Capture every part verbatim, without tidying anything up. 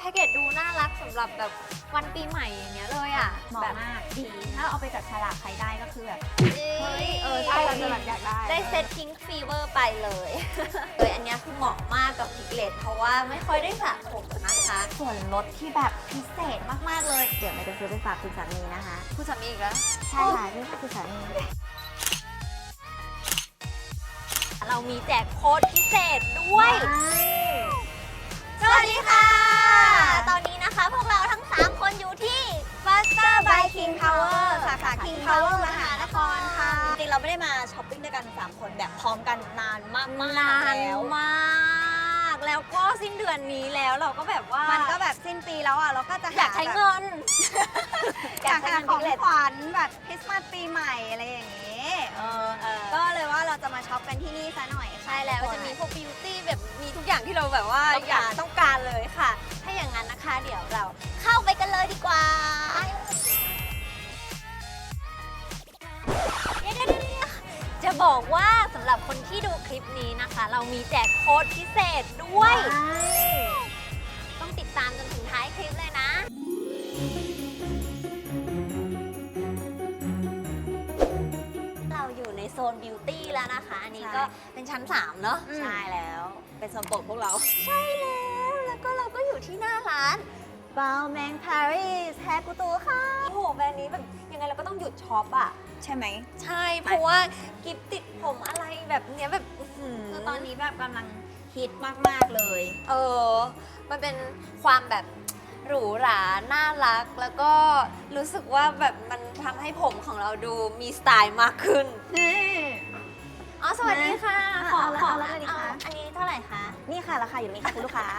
กเกจดูน่ารักสำหรับแบบวันปีใหม่อย่างเงี้ยเลยอ่ะเหมาะแบบมากดีถ้าเอาไปจัดฉลากใครได้ก็คือแบบเฮ้ยเออใช่เราจะแบบอยากได้ได้เซตพิงค์ฟีเวอร์ไปเลยเลยอันเนี้ยคือเหมาะมากกับพิกเลตเพราะว่าไม่ค่อยได้สระผมนะคะส่วนลดที่แบบพิเศษมากๆเลย เดี๋ยวไม่จะซื้อไปฝากคุณสามีนะคะคุณสามีอีกแล้วใช่ค่ะนี่คือสามีเรามีแจกโค้ดพิเศษด้วย สวัสดีค่ะ ตอนนี้นะคะพวกเราทั้ง สาม คนอยู่ที่ Faster by King Power สาขา King Power มหานครค่ะจริงๆเราไม่ได้มาช้อปปิ้งด้วยกันสามคนแบบพร้อมกันนานมากๆนานแล้วมาก แล้วก็สิ้นเดือนนี้แล้วเราก็แบบว่ามันก็แบบสิ้นปีแล้วอ่ะเราก็จะหอยากใช้เงินอยากหาของขวัญแบบคริสต์มาสปีใหม่อะไรอย่างนี้เออเออก็เลยว่าเราจะมาช็อปกันที่นี่ซะหน่อยค่ะใช่แล้วทุกคนจะมีพวกบิวตี้แบบมีทุกอย่างที่เราแบบว่าต้องอยาการกต้องการเลยค่ะ ถ้าอย่างนั้นนะคะเดี๋ยวเราเข้าไปกันเลยดีกว่าเดี๋ยวเดี๋ยวเดี๋ยวจะบอกว่าสำหรับคนที่ดูคลิปนี้นะคะ เรามีแจกโค้ดพิเศษด้วย ต้องติดตามจนถึงท้ายคลิปเลยนะ เราอยู่ในโซนบิวตี้แล้วนะคะ อันนี้ก็เป็นชั้น สาม เนอะใช่แล้วเป็นสมโปรดพวกเราใช่แล้ว แล้วก็เราก็อยู่ที่หน้าร้านบาวแมงปารีสแฮกูตูค่ะโอ้โหแบรนด์นี้แบบยังไงเราก็ต้องหยุดช็อปอ่ะใช่ไหมใช่ เพราะว่ากิฟติดผมอะไรแบบเนี้ยแบบอื้อหืคือตอนนี้แบบกำลังฮิตมากๆเลยเออ มันเป็นความแบบหรูหรา น่ารัก แล้วก็รู้สึกว่าแบบมันทำให้ผมของเราดูมีสไตล์มากขึ้นนี่อ๋อ สวัสดีค่ะ ขอเอาละขอเอาละเลยดิคะอันนี้เท่าไหร่คะนี่ค่ะราคาอยู่นี่ค่ะคุณลูกค้า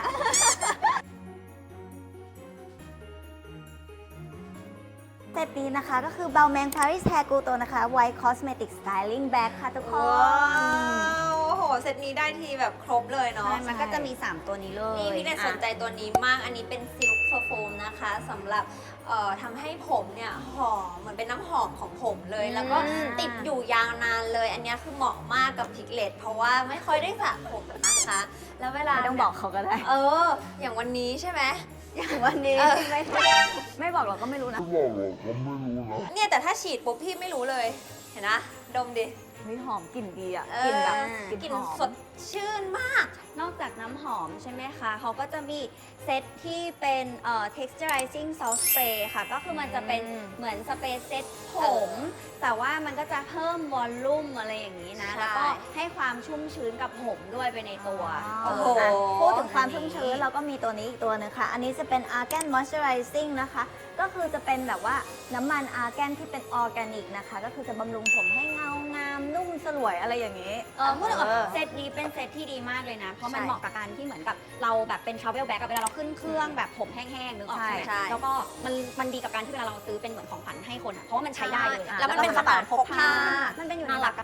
เซตนี้นะคะก็คือ Balmain Paris Hair Couture นะคะ White Cosmetic Styling Bag ค่ะทุกคนว้าวโอ้โห เซตนี้ได้ทีแบบครบเลยเนาะใช่มันก็จะมี สาม ตัวนี้เลยนี่พี่เนยสนใจตัวนี้มาก อันนี้เป็นซิลค์เพอร์โฟมนะคะสำหรับเอ่อทำให้ผมเนี่ยหอมเหมือนเป็นน้ำหอมของผมเลย แล้วก็ติดอยู่ยาวนานเลย อันนี้คือเหมาะมากกับพิกเลตเพราะว่าไม่ค่อยได้สระผมนะคะ แล้วเวลาไม่ต้องบอกเขาก็ได้เออ อย่างวันนี้ใช่ไหมอย่างวันนี้เออไม่ไม่บอกเราก็ไม่รู้นะไม่บอกหรอกผมไม่รู้นะเนี่ยแต่ถ้าฉีดปุ๊บพี่ไม่รู้เลย เห็นนะ ดมดิเฮ้ยหอมกลิ่นดีอ่ะเออกลิ่นแบบกลิ่นกลิ่นหอมสดชื่นมากนอกจากน้ำหอมใช่ไหมคะ เขาก็จะมีเซตที่เป็นเอ่อ texturizing salt spray ค่ะ ก็คือมันจะเป็นอืมเหมือนสเปรย์เซตผเออม แต่ว่ามันก็จะเพิ่มวอลลุ่มอะไรอย่างนี้นะใช่แล้วก็ให้ความชุ่มชื้นกับผมด้วยไปในตัวโอ้โหเอ่ะพูดถึงความชุ่มชื้นเราก็มีตัวนี้อีกตัวหนึงค่ะ อันนี้จะเป็น Argan Moisturizing นะคะ ก็คือจะเป็นแบบว่าน้ำมัน Argan ที่เป็นออร์แกนิกนะคะ ก็คือจะบำรุงผมให้เงางามนุ่มสลวยอะไรอย่างนี้เออพูดถึงเออเซตนี้เป็นเซตที่ดีมากเลยนะ เพราะมันใช่เหมาะกับการที่เหมือนกับเราแบบเป็น travel bag อะเวลาเราขึ้นเครื่องแบบผมแห้งๆนึกออกใช่ไหมใช่แล้วก็มันมันดีกับการที่เวลาเราซื้อเป็นเหมือนของขวัญให้คนอะเพราะว่ามันใช้ได้เลยอะแล้วมันเป็นกระเป๋าพกพามันเป็นอยู่ในน่าหรัลักก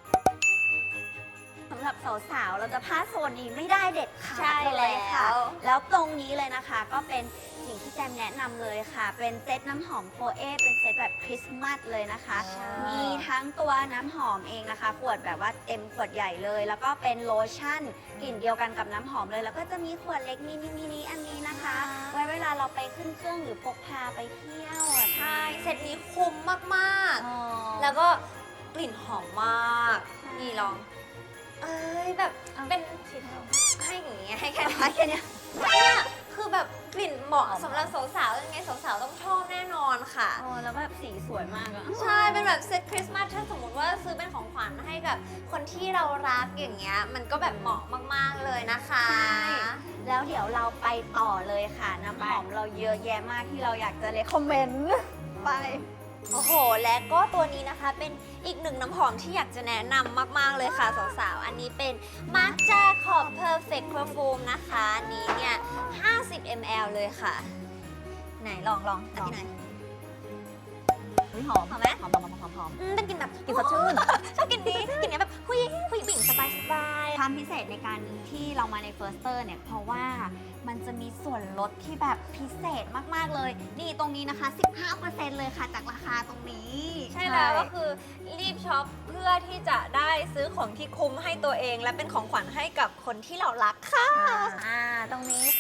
สำหรับสาวๆ เราจะพลาดโซนนี้ไม่ได้เด็ดขาใช่ดเลยค่ะแล้วแล้วตรงนี้เลยนะคะ ก็เป็นสิ่งที่แจมแนะนำเลยค่ะ เป็นเซตน้ำหอมโฟเอเป็นเซตแบบคริสต์มาสเลยนะคะใช่มีทั้งตัวน้ำหอมเองนะคะ ขวดแบบว่าเต็มขวดใหญ่เลย แล้วก็เป็นโลชั่นกลิ่นเดียวกันกับน้ำหอมเลย แล้วก็จะมีขวดเล็กมินิมินิอันนี้นะคะ ไว้เวลาเราไปขึ้นเครื่องหรือพกพาไปเที่ยวอะใช่ เซตนี้คุ้มมากอ๋อๆ แล้วก็กลิ่นหอมมากใช่นี่ลอง เอ้ยแบบเอาเป็นฉีดให้เราให้อย่างเงี้ยให้แค่ให้แค่เนี้ยเนี่ยคือแบบกลิ่นเหมาะหอมสำหรับสาวๆยังไงสาวๆต้องชอบแน่นอนค่ะโอ้แล้วแบบสีสวยมากอะใช่ เป็นแบบเซตคริสต์มาสถ้าสมมติว่าซื้อเป็นของขวัญให้กับคนที่เรารักอย่างเงี้ย มันก็แบบเหมาะมากๆเลยนะคะใช่ แล้วเดี๋ยวเราไปต่อเลยค่ะ น้ำหอมเราเยอะแยะมากที่เราอยากจะเลคคอมเมนต์ไปโอ้โห และก็ตัวนี้นะคะเป็นอีกหนึ่งน้ำหอมที่อยากจะแนะนำมาก ๆ เลยค่ะสาวๆ อันนี้เป็น Marc Jacob Perfect Perfume นะคะ อันนี้เนี่ย ห้าสิบมิลลิลิตร เลยค่ะ ไหนลองลองอันนี้หน่อยเฮ้ยหอมหอมไหมหอมหอมหอมหอมหอมอืมเป็นกลิ่นแบบกลิ่นสดชื่นชอบกลิ่นนี้กลิ่นเนี้ยแบบผู้หญิงผู้หญิงผู้หญิงสบายสบายความพิเศษในการที่เรามาใน Firster เนี่ย เพราะว่ามันจะมีส่วนลดที่แบบพิเศษมาก ๆ เลย นี่ตรงนี้นะคะ สิบห้าเปอร์เซ็นต์ เลยค่ะจากราคาตรงนี้ใช่แล้วก็คือรีบช็อปเพื่อที่จะได้ซื้อของที่คุ้มให้ตัวเอง และเป็นของขวัญให้กับคนที่เรารักค่ะอ่า ตรงนี้ค่ะ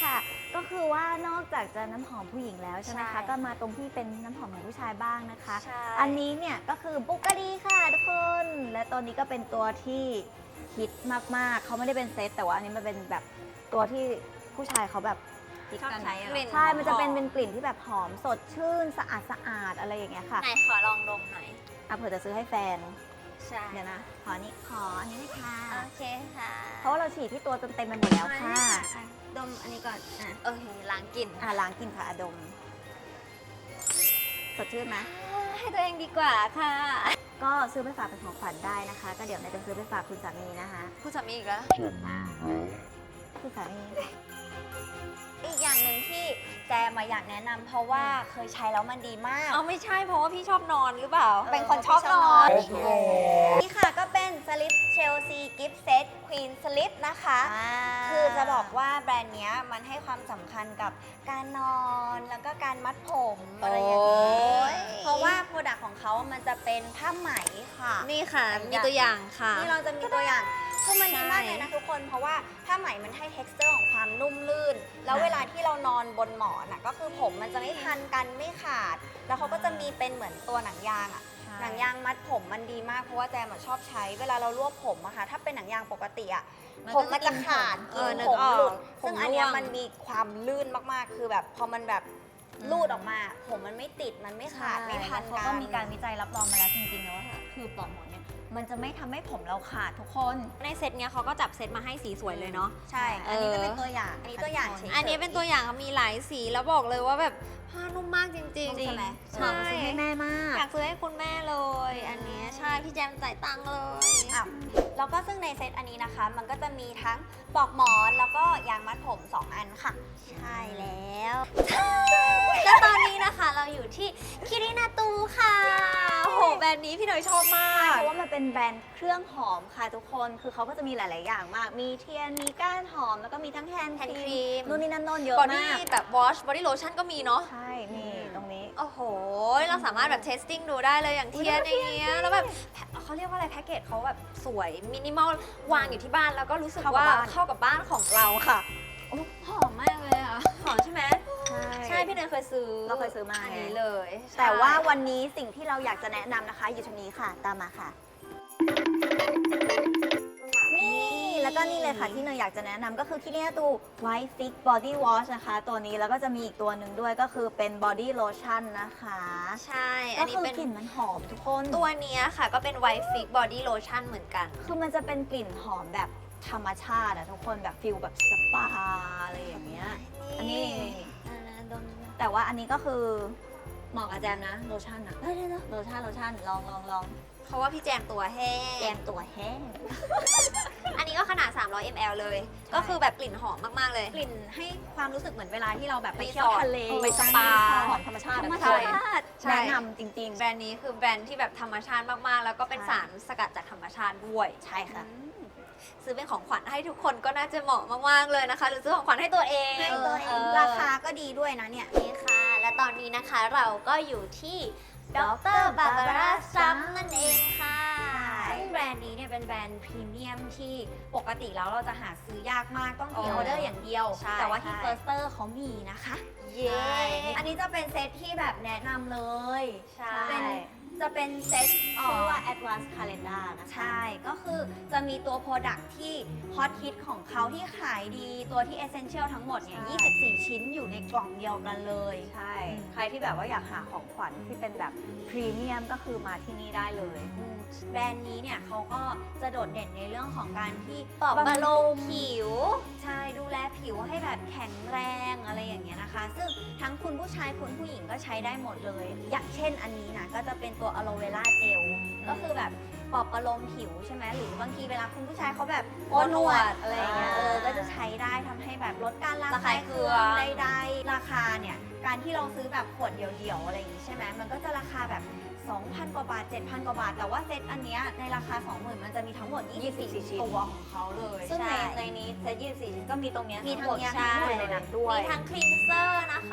ก็คือว่านอกจากจะน้ำหอมผู้หญิงแล้วใช่ไหมใช่คะก็มาตรงที่เป็นน้ำหอมของผู้ชายบ้างนะคะใช่อันนี้เนี่ยก็คือบุกกะดีค่ะทุกคน และตัวนี้ก็เป็นตัวที่ฮิตมากๆเขาไม่ได้เป็นเซตแต่ว่าอันนี้มันเป็นแบบตัวที่ผู้ชายเขาแบบชอบใช้อะกลิ่นใช่ มันจะเป็นหอเป็นกลิ่นที่แบบหอมสดชื่นสะอาดสะอาดอะไรอย่างเงี้ยค่ะไหนขอลองดมหน่อยอ่ะเผื่อจะซื้อให้แฟนใช่เดี๋ยวนะ ขอนี้ขออันนี้เลยค่ะโอเคค่ะเพราะว่าเราฉีดที่ตัวจนเต็มไปหมดแล้วค่ะอ่ะดมอันนี้ก่อน อ่ะโอเคล้างกลิ่นอ่ะล้างกลิ่นค่ะอะดม สดชื่นไหมให้ตัวเองดีกว่าค่ะก็ซื้อไปฝากเป็นของขวัญได้นะคะ ก็เดี๋ยวนายจะซื้อไปฝากคุณสามีนะคะผู้สามีอีกแล้วคุณสามีอีกอย่างหนึ่งที่แจมมาอยากแนะนำเพราะว่าเคยใช้แล้วมันดีมากเอาไม่ใช่เพราะว่าพี่ชอบนอนหรือเปล่าเป็นคนชอบนอนนี่ค่ะก็เป็นสลิปเชลซีกิฟต์เซตควีนสลิปนะคะคือจะบอกว่าแบรนด์เนี้ยมันให้ความสำคัญกับการนอนแล้วก็การมัดผมอะไรอย่างนี้โอ้ยเพราะว่าโปรดักต์ของเขามันจะเป็นผ้าไหมค่ะนี่ค่ะ มีตัวอย่างค่ะนี่เราจะมีตัวอย่าง คือมันดีมากใช่เลยนะทุกคน เพราะว่าผ้าไหมมันให้ texture ของความนุ่มลื่น แล้วเวลาที่เรานอนบนหมอนอ่ะก็คือผมมันจะไม่พันกันไม่ขาด แล้วเขาก็จะมีเป็นเหมือนตัวหนังยางอ่ะ หนังยางมัดผมมันดีมากเพราะว่าแจมอะชอบใช้เวลาเรารวบผมอะค่ะถ้าเป็นหนังยางปกติอะมันผก็มมันจะขาดเอกิอน นึผกมออกหลุดผมซึ่งอันเนี้ยร่วงมันมีความลื่นมากๆ คือแบบพอมันแบบลูดออกมา ผมมันไม่ติดมันไม่ขาดไม่พันเขากันก็มีการวิจัยรับรองมาแล้วจริงๆนะว่าคือปลอกหมอนเนี่ยมันจะไม่ทำให้ผมเราขาดทุกคนในเซตเนี้ยเขาก็จับเซตมาให้สีสวยเลยเนาะใช่ อันนี้จะเป็นตัวอย่าง อันนี้ตัวอย่างเฉยๆอันนี้เป็นตัวอย่างมีหลายสีแล้วบอกเลยว่าแบบผ้านุ่มมากจริงๆจริงใช่ไหมใช่ซื้อให้แม่มากอยากซื้อให้คุณแม่เลย อันเนี้ยใช่พี่แจมจ่ายตังค์เลยอ่ะแล้วก็ซึ่งในเซตอันนี้นะคะ มันก็จะมีทั้งปลอกหมอนแล้วก็ยางมัดผมสองอันค่ะใช่แล้วและตอนนี้นะคะเราอยู่ที่คิรินาตูค่ะโอ้โหแบรนด์นี้พี่หน่อยชอบมาใช่กเพราะว่ามันเป็นแบรนด์เครื่องหอมค่ะทุกคน คือเขาก็จะมีหลาย ๆ อย่างมาก มีเทียน มีก้านหอม แล้วก็มีทั้งแฮนด์แฮนด์คครีรีมมนู่นนี่นั่นโน่นเยอะบอดี้มากแบบวอชบอดี้โลชั่นก็มีเนาะใช่ นี่ตรงนี้โอ้โห เราสามารถแบบเทสติ้งดูได้เลยอย่างเทียนอย่างเงี้ย แล้วแบบแพ็คเขาเรียกว่าอะไรแพ็กเกจเขาแบบสวยมินิมอลวางอยู่ที่บ้านแล้วก็รู้สึกเข้ากับว่าบ้านเข้ากับบ้านของเราค่ะโอ้หอมมากเลยอ่ะหอมใช่ไหมใช่ใช่พี่เนยเคยซื้อเราเคยซื้อมาอันนี้เลยแต่ว่าวันนี้สิ่งที่เราอยากจะแนะนำนะคะ อยู่ตรงนี้ค่ะ ตามมาค่ะ นี่แล้วก็นี่เลยค่ะที่เนยอยากจะแนะนำก็คือที่นี่ตัว White Fix Body Wash นะคะ ตัวนี้แล้วก็จะมีอีกตัวหนึ่งด้วยก็คือเป็น Body Lotion นะคะใช่ อัก็นนี้คือเป็นกลิ่นมันหอมทุกคนตัวเนี้ยค่ะก็เป็น White Fix Body Lotion เหมือนกันคือมันจะเป็นกลิ่นหอมแบบธรรมชาติอะทุกคนแบบฟิลแบบสปาอะไรอย่างเงี้ย อันนี้อ่าดมแต่ว่าอันนี้ก็คือเหมาะกับแจมนะโลชั่นอะเฮ้ยเดี๋ยวๆโลชั่นโลชั่นลองลองลองเพราะว่าพี่แจมตัวแห้แจงมตัวแห้งอันนี้ก็ขนาด สามร้อยมิลลิลิตร เลย ก็คือแบบกลิ่นหอมมากๆเลยกลิ่นให้ความรู้สึกเหมือนเวลาที่เราแบบไปรีสอร์ทเที่ยวทะเลไปสปาหอมธรรมชาติธรรมอะชาติทุกคนใช่แนะนำจริงแบรนด์นี้คือแบรนด์ที่แบบธรรมชาติมากๆ แล้วก็เป็นใช่สารสกัดจากธรรมชาติด้วยๆ ใช่ค่ะซื้อเป็นของขวัญให้ทุกคนก็น่าจะเหมาะมากๆเลยนะคะ หรือซื้อของขวัญให้ตัวเองให้ตัวเองราราคาคาก็ดีด้วยนะเนี่ยนี่ค่ะ และตอนนี้นะคะเราก็อยู่ที่ดรบาบาร่าซัมนั่นเองค่ะซึ่งแบรนด์นี้เนี่ยเป็นแบรนด์พรีเมียมที่ปกติแล้วเราจะหาซื้อยากมากต้องพรีออเดอร์อย่างเดียวใช่แต่ว่าที่ใช่เฟิร์สเตอร์เขามีนะคะเย้อันนี้จะเป็นเซตที่แบบแนะนำเลยใช่เป็นจะเป็นเซตชื่อว่า Advanced Calendar นะคะใช่ ก็คือจะมีตัว Product ที่ฮอตฮิตของเขาที่ขายดี ตัวที่ Essential ทั้งหมดเนี่ยใช่ยี่สิบสี่ ชิ้นอยู่ในกล่องเดียวกันเลยใช่ ใครที่แบบว่าอยากหาของขวัญที่เป็นแบบพรีเมียมก็คือมาที่นี่ได้เลยอืมแบรนด์นี้เนี่ยเขาก็จะโดดเด่นในเรื่องของการที่ปลอบบำรุงผิวใช่ดูแลผิวให้แบบแข็งแรงอะไรอย่างเงี้ยนะคะ ซึ่งทั้งคุณผู้ชายคุณผู้หญิงก็ใช้ได้หมดเลย อย่างเช่นอันนี้นะก็จะเป็นตัวอะโลเวราเจลก็คือแบบปลอบประโลมผิวใช่ไหมหรือบางทีเวลาคุณผู้ชายเขาแบบโกนหนวดอะไรอย่างเงี้ยอ่าเออก็จะใช้ได้ทำให้แบบลดการระระคาคาย ยเคืเคืออง งใดๆราคาเนี่ยการที่เราซื้อแบบขวดเดียวๆอะไรอย่างงี้ใช่ไหมมันก็จะราคาแบบ สองพัน กว่าบาท เจ็ดพัน กว่าบาท แต่ว่าเซตอันเนี้ยในราคา สองหมื่น มันจะมีทั้งหมด ยี่สิบสี่ยี่สิบสี่ชิ้นตัวของเขาเลยซึ่งในใช่ในนี้เซตยี่สิบสี่ชิ้นก็มีตรงเนี้ยมีทั้งหมดเนี้ยใช่ทั้งหมดในนั้นด้วยมีทั้งคลีนเซอร์นะคะ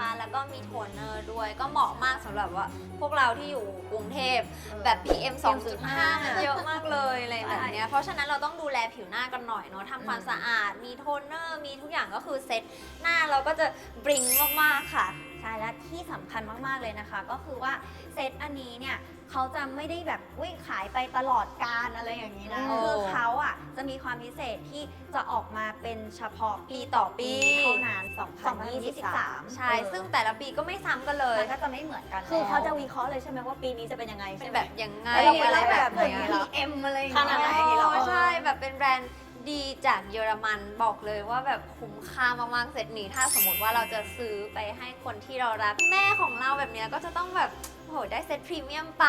แล้วก็มีโทนเนอร์ด้วยก็เหมาะมากสำหรับว่าพวกเราที่อยู่กรุงเทพแบบ พี เอ็ม สองจุดห้า มันเยอะมากเลยอะไรแบบเนี้ยเพราะฉะนั้นเราต้องดูแลผิวหน้ากันหน่อยเนาะทำความสะอาดมีโทนเนอร์มีทุกอย่างก็คือเซ็ตหน้าเราก็จะบริงมากๆค่ะใช่และที่สำคัญมากๆเลยนะคะ ก็คือว่าเซตอันนี้เนี่ยเขาจะไม่ได้แบบวิ่งขายไปตลอดกาลอะไรอย่างนี้นะโอ้คือเขาอ่ะจะมีความพิเศษที่จะออกมาเป็นเฉพาะปีต่อปีเท่านั้นสองพันยี่สิบสามใช่ ซึ่งแต่ละปีก็ไม่ซ้ำกันเลยมันก็จะไม่เหมือนกันคือเขาจะแล้ววิเคราะห์เลยใช่ไหมว่าปีนี้จะเป็นยังไงเป็ใช่นไหมแบบยังไงแล้วเราอะไรแบบแบบเหมือนไหนเหรอพี เอ็ม อะไรอย่างขเงี้ยนาดไหนโอ้เหรอใช่แบบเป็นแบรนด์ดีจากเยอรมันบอกเลยว่าแบบคุ้มค่ามากๆเซตนี้ถ้าสมมติว่าเราจะซื้อไปให้คนที่เรารักแม่ของเราแบบเนี้ยก็จะต้องแบบโอ้โหได้เซตพรีเมียมไป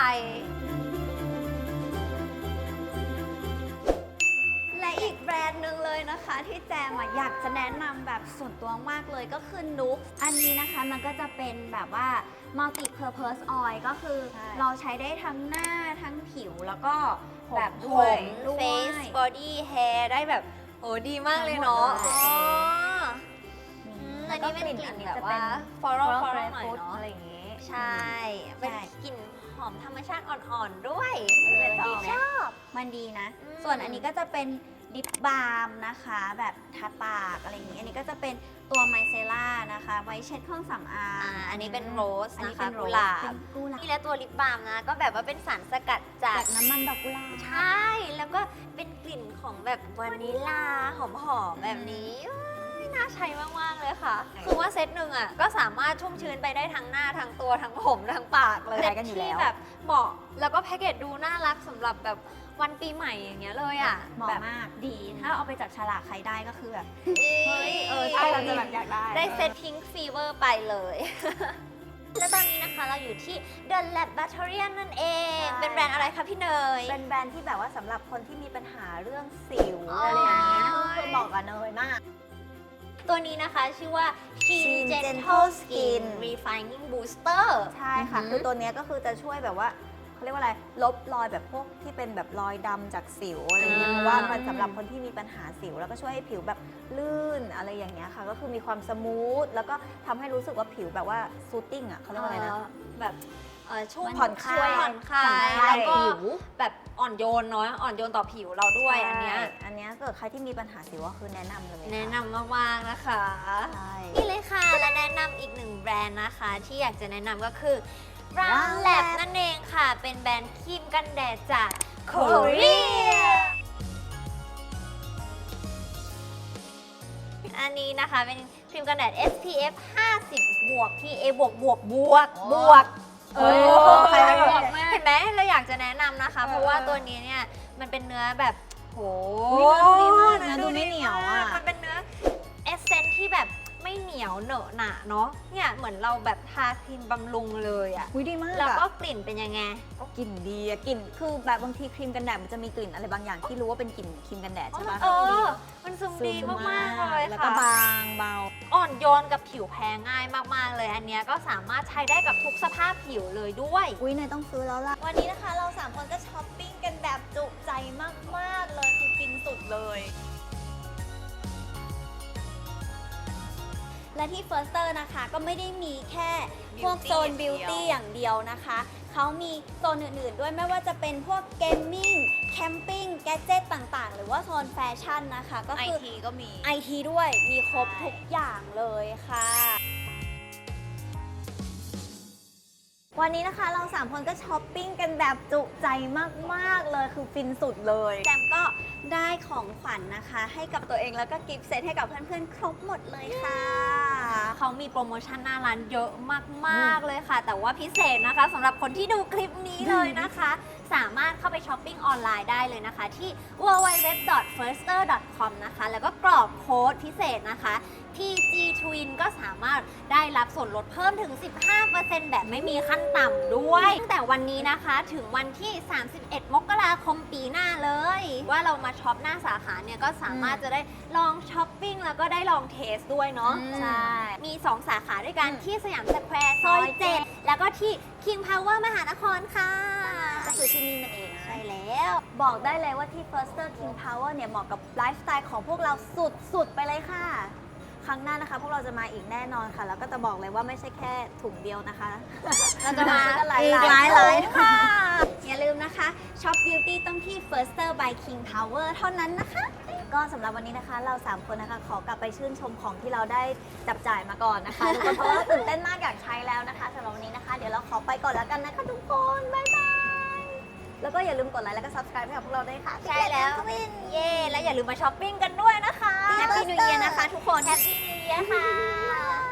และอีกแบรนด์หนึ่งเลยนะคะ ที่แจมอะอยากจะแนะนำแบบส่วนตัวมากเลยก็คือนุกอันนี้นะคะมันก็จะเป็นแบบว่า multi purpose oil ก็คือใช่เราใช้ได้ทั้งหน้าทั้งผิวแล้วก็ผมแบบผด้วยมด้วย face body hair ได้แบบโอ้ดีมากเลยเนาะทั้งหมดเลยอ๋ออือืมมอันนี้เป็นกลิ่นแบบว่าฟลอ floral รัล floral หน่อยฟูดเนาะอะไรอย่างงี้ใช่ เป็นกลิ่นหอมธรรมชาติอ่อนๆด้วยเออเป็นดีดีไหมชอบมันดีนะอืมส่วนอันนี้ก็จะเป็นลิปบาล์มนะคะ แบบทาปากอะไรอย่างนี้ อันนี้ก็จะเป็นตัวไมเซล่านะคะ ไว้เช็ดเครื่องสำอางอ่าอันนี้เป็นโรสอันนี้นะเป็คะนโรกุสหลาเป็บนกุหลาบนี่และตัวลิปบาล์มนะ ก็แบบว่าเป็นสารสกัดจาจาก กน้ำมันดอกกุหลาบใช่ แล้วก็เป็นกลิ่นของแบบวานิลลาหอมๆแบบนี้เอ้ยน่าใช้มากๆเลยค่ะ คือว่าเซตหนึ่งอ่ะก็สามารถชุ่มชื้นไปได้ทั้งหน้าทั้งตัวทั้งผมทั้งปากเลยใช้กันอยู่แล้วที่แบบเหมาะแล้วก็แพ็กเกจดูน่ารักสำหรับแบบวันปีใหม่อย่างเงี้ยเลยอ่ะเหมาะแบบมากดี ถ้าเอาไปจับฉลากใครได้ก็คือแบบเฮ้ยเออใช่เราจะแบบอยากได้ได้เซตพิงค์ฟีเวอร์ไปเลย และตอนนี้นะคะเราอยู่ที่ The Laboratorium นั่นเองใช่เป็นแบรนด์อะไรคะพี่เนยเป็นแบรนด์ที่แบบว่าสำหรับคนที่มีปัญหาเรื่องสิวอ๋อออะไรอย่างเงี้ยคือเหมาะกับเนยมากตัวนี้นะคะชื่อว่า Shin Shin Gentle Gentle Skin Skin Refining Booster ใช่ค่ะอือหือคือตัวเนี้ยก็คือจะช่วยแบบว่าเขาเรียกว่าอะไร ลบรอยแบบพวกที่เป็นแบบรอยดำจากสิวอะไรเงี้ยอ่าเพราะว่ามันสำหรับคนที่มีปัญหาสิว แล้วก็ช่วยให้ผิวแบบลื่นอะไรอย่างเงี้ยค่ะ ก็คือมีความสมูท แล้วก็ทำให้รู้สึกว่าผิวแบบว่าซูตติ้งอ่ะเขาเรียกว่าอะไรนะเอ่อแบบเอ่อช่วยผ่อนคลายช่วยผ่อนคลาผ่อนยคลายแล้วก็ผิวแบบอ่อนโยนเนาะอ่อนโยนต่อผิวเราด้วยอันเนี้ยใช่อันเนี้ยเกิดใครที่มีปัญหาสิวก็คือแนะนำเลยค่แนะนำมากๆนะคะใช่นี่เลยค่ะ และแนะนำอีกหนึ่งแบรนด์นะคะ ที่อยากจะแนะนำก็คือ r a m Ram Lab Lab นั่นเองค่ะ เป็นแบรนด์ครีมกันแดดจากเกาหลีอันนี้นะคะเป็นครีมกันแดด เอส พี เอฟ ห้าสิบ บวก พี เอ บวกบวกบวกบวกเออใครไม่บอกเห็นไหมเราอยากจะแนะนำนะคะ เพราะว่าตัวนี้เนี่ยมันเป็นเนื้อแบบโหอุ๊ยเนื้อดูดีมากนะเอดูไม่เหนียวอะมันเป็นเนื้อเอสเซนที่แบบไม่เหนียวเหนอะหนะเนาะเนี่ยเหมือนเราแบบทาครีมบำรุงเลยอะอุ๊ยดีมากแล้วก็อะกลิ่นเป็นยังไงกลิ่นดีอะกลิ่นคือแบบบางทีครีมกันแดดมันจะมีกลิ่นอะไรบางอย่างที่รู้ว่าเป็นกลิ่นครีมกันแดดใช่ปะเออ มันซึมดีมากๆเลยแล้วก็ค่ะบางเบาอ่อนโยนกับผิวแพ้ง่ายมากๆเลย อันเนี้ยก็สามารถใช้ได้กับทุกสภาพผิวเลยด้วยอุ้ยเนยต้องซื้อแล้วล่ะวันนี้นะคะเราสามคนก็ช้อปปิ้งกันแบบจุใจมาก ๆ เลยคือฟินสุดเลย และที่ Firster นะคะก็ไม่ได้มีแค่พวกโซน Beauty บิวตี้อย่างเดียวนะคะ เขามีโซนอื่น ๆ ด้วยไม่ว่าจะเป็นพวกเกมมิ่งแคมปิ้งแกดเจิตต่างๆ หรือว่าโซนแฟชั่นนะคะ ก็ไอคือทีก็มีไอทีด้วยมีครบใช่ทุกอย่างเลยค่ะ วันนี้นะคะเราสามคนก็ช้อปปิ้งกันแบบจุใจมากๆเลยคือฟินสุดเลยแจมก็ได้ของขวัญนะคะ ให้กับตัวเองแล้วก็กิฟต์เซตให้กับเพื่อนๆ ครบหมดเลยค่ะเขามีโปรโมชั่นหน้าร้านเยอะมากๆเลยค่ะ แต่ว่าพิเศษนะคะสำหรับคนที่ดูคลิปนี้เลยนะคะ สามารถเข้าไปช้อปปิ้งออนไลน์ได้เลยนะคะ ที่ ดับเบิลยู ดับเบิลยู ดับเบิลยู ดอท เฟิร์สเตอร์ ดอท คอม นะคะ แล้วก็กรอกโค้ดพิเศษนะคะ ที จี Twin ก็สามารถได้รับส่วนลดเพิ่มถึง สิบห้าเปอร์เซ็นต์ แบบไม่มีขั้นต่ำด้วยตั้งแต่วันนี้นะคะถึงวันที่ สามสิบเอ็ด มกราคมปีหน้าเลย ว่าเรามาช็อปหน้าสาขาเนี่ยก็สามารถจะได้ลองช้อปปิ้งแล้วก็ได้ลองเทสด้วยเนาะอืมใช่ มี สอง สาขาด้วยกันอืมที่สยามสแควร์ซอยเจ็ดแล้วก็ที่ King Power มหานครค่ะก็คือที่นี่นั่นเองนะใช่แล้วบอกได้เลยว่าที่ Firster King Power เนี่ยเหมาะกับไลฟ์สไตล์ของพวกเราสุดๆ ไปเลยค่ะครั้งหน้านะคะ พวกเราจะมาอีกแน่นอนค่ะ แล้วก็จะบอกเลยว่าไม่ใช่แค่ถุงเดียวนะคะเราจะมาหลายอีกๆหลายหลายถุงค่ะ อย่าลืมนะคะช็อปบิวตี้ต้องที่ Firster by King Power เท่านั้นนะคะก็สำหรับวันนี้นะคะ เราสามคนนะคะขอกลับไปชื่นชมของที่เราได้จับจ่ายมาก่อนนะคะทุกคนเพราะว่าตื่นเต้นมากอยากใช้แล้วนะคะสำหรับวันนี้นะคะ เดี๋ยวเราขอไปก่อนแล้วกันนะคะทุกคนบ๊ายบายแล้วก็อย่าลืมกดไลค์แล้วก็ subscribe ให้กับพวกเราด้วยค่ะใช่แล้วเย้และอย่าลืมมาช้อปปิ้งกันด้วยนะคะ Happy New Year นะคะทุกคน Happy New Year ค่ะ